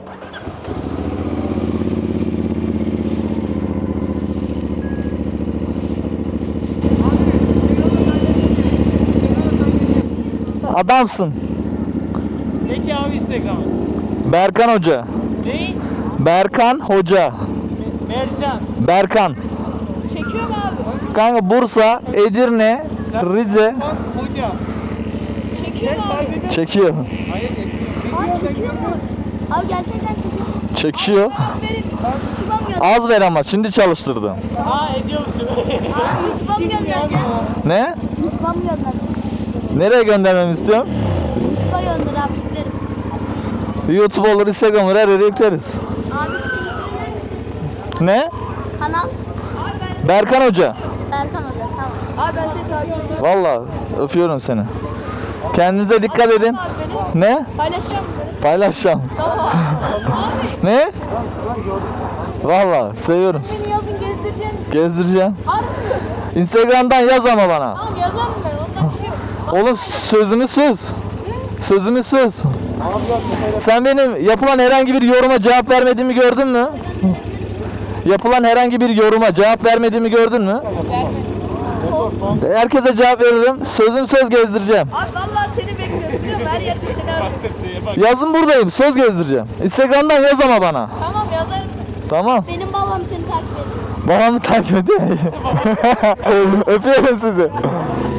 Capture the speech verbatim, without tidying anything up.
Adamsın. Ne ki abi Instagram? Berkan Hoca. Ne? Berkan Hoca. Mercan. Berkan. Çekiyor mu abi? Kanka Bursa, Edirne, Rize. Bak hoca. Çekiyor mu abi? Çekiyor. Hayır Aa çekiyor mu? Abi gerçekten çekiyor. Çekiyor. YouTube'a mı göndereceğim? Az ver ama şimdi çalıştırdım. Aa ediyor musun? Abi YouTube'a mı göndereceğim? Ne? YouTube'a mı göndereceğim? Nereye göndermemi istiyorsun? YouTube'a gönder abi yüklerim. YouTube olur, Instagram olur, her yere yükleriz. Abi şey yüklerim. Ne? Kanal Berkan Hoca. Berkan Hoca tamam. Abi ben seni takip ediyorum. Vallahi öpüyorum seni. Kendinize dikkat edin. Ne? Paylaşacağım. Paylaşacağım. Ne? Vallahi seviyorum. Beni yazın gezdireceğim. Gezdireceğim. Harbi mi? Instagram'dan yaz ama bana. Tamam yazarım ben. Ondan bir şey yok. Oğlum sözümü söz. Sözümü söz. Sen benim yapılan herhangi bir yoruma cevap vermediğimi gördün mü? Yapılan herhangi bir yoruma cevap vermediğimi gördün mü? Herkese cevap veririm. Sözüm söz gezdireceğim. Abi vallahi seni bekliyorum biliyor musun? Her yerde seni arıyorum. Yazın buradayım. Söz gezdireceğim. Instagram'dan yaz ama bana. Tamam yazarım. Tamam. Benim babam seni takip ediyor. Babamı takip ediyor. Öpüyorum sizi.